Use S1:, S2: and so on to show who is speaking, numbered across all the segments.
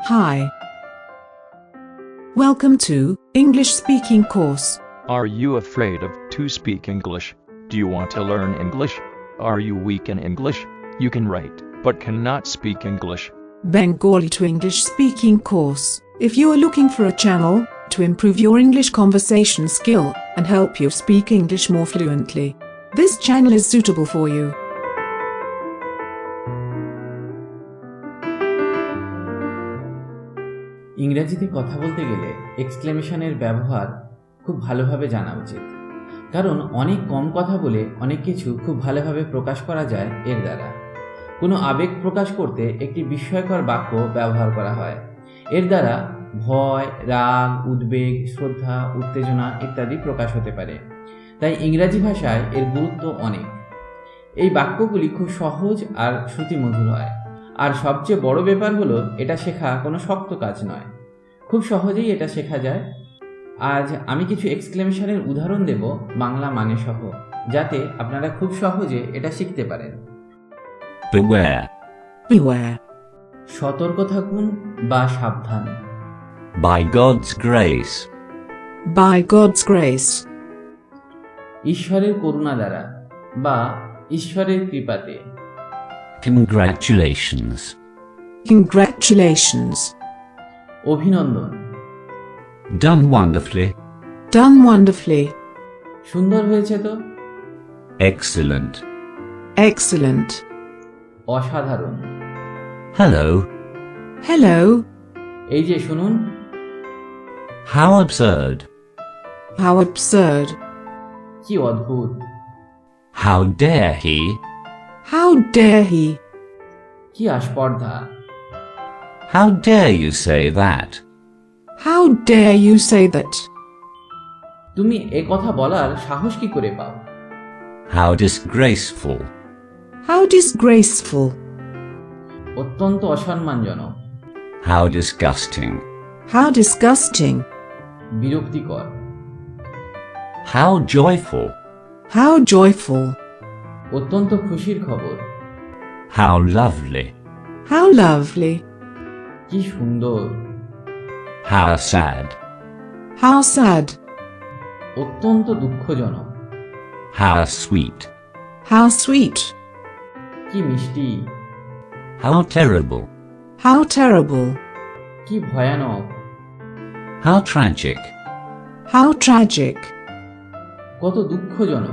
S1: Hi. Welcome to English Speaking Course.
S2: Are you afraid to speak English? Do you want to learn English? Are you weak in English? You can write, but cannot speak English.
S1: Bengali to English Speaking Course. If you are looking for a channel to improve your English conversation skill and help you speak English more fluently, this channel is suitable for you.
S3: ইংরেজিতে কথা বলতে গেলে এক্সক্লেমেশনের ব্যবহার খুব ভালোভাবে জানা উচিত, কারণ অনেক কম কথা বলে অনেক কিছু খুব ভালোভাবে প্রকাশ করা যায় এর দ্বারা। কোনো আবেগ প্রকাশ করতে একটি বিস্ময়কর বাক্য ব্যবহার করা হয়। এর দ্বারা ভয়, রাগ, উদ্বেগ, শ্রদ্ধা, উত্তেজনা ইত্যাদি প্রকাশ হতে পারে। তাই ইংরাজি ভাষায় এর গুরুত্ব অনেক। এই বাক্যগুলি খুব সহজ আর শ্রুতিমধুর হয়। আর সবচেয়ে বড় ব্যাপার হলো এটা শেখা কোনো শক্ত কাজ নয়, খুব সহজেই এটা শেখা যায়। আজ আমি কিছু এক্সক্লেমেশনের উদাহরণ দেব বাংলা মানে সহ, যাতে আপনারা খুব সহজে এটা শিখতে পারেন।
S4: Beware.
S1: Beware.
S3: সতর্ক থাকুন বা সাবধান।
S4: By God's grace.
S1: By God's grace.
S3: ঈশ্বরের করুণা দ্বারা বা ঈশ্বরের কৃপাতে।
S4: Congratulations.
S1: Congratulations.
S3: অভিনন্দন।
S4: Done wonderfully.
S1: Done wonderfully.
S3: সুন্দর হয়েছে তো।
S4: Excellent.
S1: Excellent.
S3: অসাধারণ।
S4: Hello.
S1: Hello.
S3: এই যে শুনুন।
S4: How absurd.
S1: How absurd.
S3: কি অদ্ভুত।
S4: How dare he.
S1: How dare he.
S3: কি আস্পর্ধা।
S4: How dare you say that.
S1: How dare you say that.
S3: তুমি এ কথা বলার সাহস কি করে পাও।
S4: How disgraceful.
S1: How disgraceful.
S3: অত্যন্ত অসম্মানজনক।
S4: How disgusting.
S1: How disgusting.
S3: বিরক্তিকর।
S4: How joyful.
S1: How joyful.
S3: অত্যন্ত খুশির খবর।
S4: How lovely.
S1: How lovely.
S3: কি সুন্দর।
S4: How sad.
S1: How sad.
S3: অত্যন্ত দুঃখজনক।
S4: How sweet.
S1: How sweet.
S3: কি মিষ্টি।
S4: How terrible.
S1: How terrible.
S3: কি ভয়ানক।
S4: How tragic.
S1: How tragic.
S3: কত দুঃখজনক।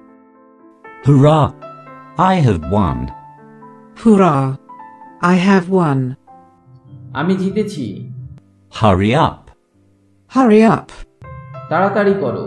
S4: Hurrah! I have won.
S1: Hurrah. I have won.
S3: আমি জিতেছি।
S4: Hurry up.
S1: Hurry up.
S3: তাড়াতাড়ি করো।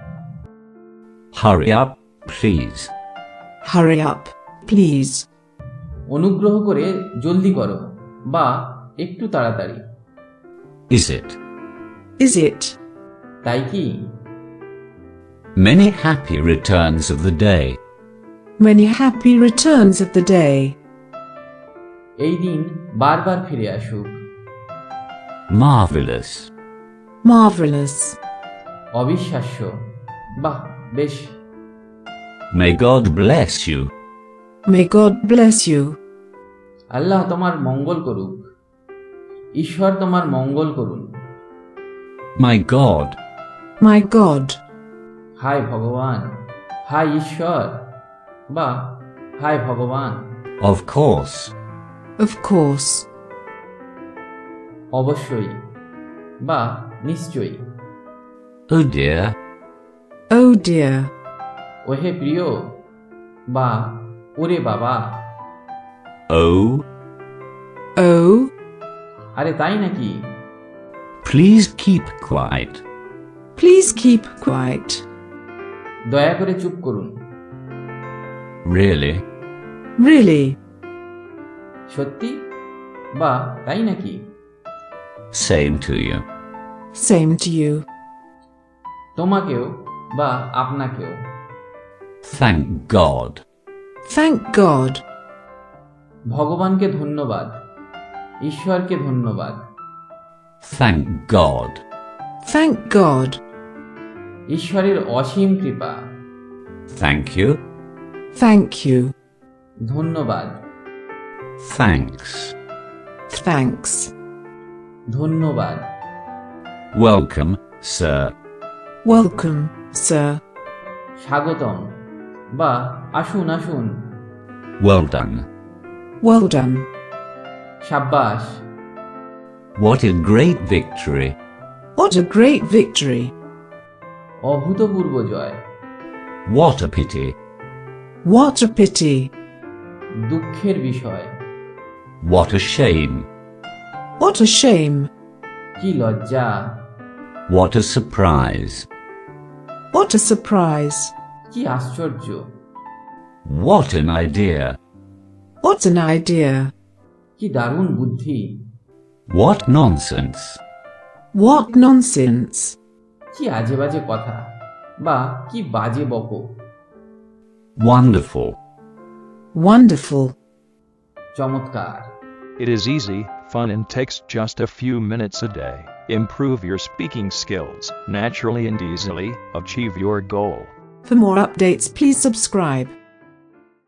S4: Hurry up, please.
S1: Hurry up, please.
S3: অনুগ্রহ করে জলদি করো বা একটু তাড়াতাড়ি।
S4: Is it?
S1: Is it?
S3: তাই কি?
S4: Many happy returns of the day.
S1: Many happy returns of the day.
S3: এই দিন বারবার ফিরে আসুক।
S4: Marvelous.
S1: Marvelous.
S3: অবিশ্বাস্য। বাহ, বেশ।
S4: May God bless you.
S1: May God bless you.
S3: আল্লাহ তোমার মঙ্গল করুক। ঈশ্বর তোমার মঙ্গল করুন।
S4: My God.
S1: My God.
S3: হায় ভগবান, হায় ঈশ্বর বা হায় ভগবান।
S4: Of course.
S1: Of course.
S3: অবশ্যই বা নিশ্চয়ই।
S4: Oh dear.
S1: Oh dear.
S3: ওহে প্রিয় বা ওরে বাবা।
S4: Oh.
S1: Oh.
S3: আরে তাই নাকি?
S4: Please keep quiet.
S1: Please keep quiet.
S3: দয়া করে চুপ করুন।
S4: Really?
S1: Really?
S3: সত্যি বা তাই নাকি?
S4: Same to you.
S1: Same to you.
S3: তোমাকেও বা আপনাকেও।
S4: Thank God.
S1: Thank God.
S3: ভগবানকে ধন্যবাদ। ঈশ্বরকে ধন্যবাদ।
S4: Thank God.
S1: Thank God.
S3: ঈশ্বরের অসীম কৃপা।
S4: Thank you.
S1: Thank you.
S3: ধন্যবাদ।
S4: Thanks.
S1: Thanks.
S3: ধন্যবাদ।
S4: Welcome, sir.
S1: Welcome, sir.
S3: স্বাগতম বা আসুন আসুন।
S4: Well done.
S1: Well done.
S3: সাব্বাস।
S4: What a great victory.
S1: What a great victory.
S3: অভূতপূর্ব জয়।
S4: What a pity.
S1: What a pity.
S3: দুঃখের বিষয়।
S4: What a shame.
S1: What a shame.
S3: কি লজ্জা।
S4: What a surprise.
S1: What a surprise.
S3: কি আশ্চর্য।
S4: What an idea.
S1: What an idea.
S3: কি দারুণ বুদ্ধি।
S4: What nonsense.
S1: What nonsense.
S3: কি আজে বাজে কথা বা কি বাজে বকো।
S4: Wonderful.
S1: Wonderful.
S3: চমৎকার।
S2: It is easy, fun, and takes just a few minutes a day. Improve your speaking skills naturally and easily. Achieve your goal.
S1: For more updates, please subscribe.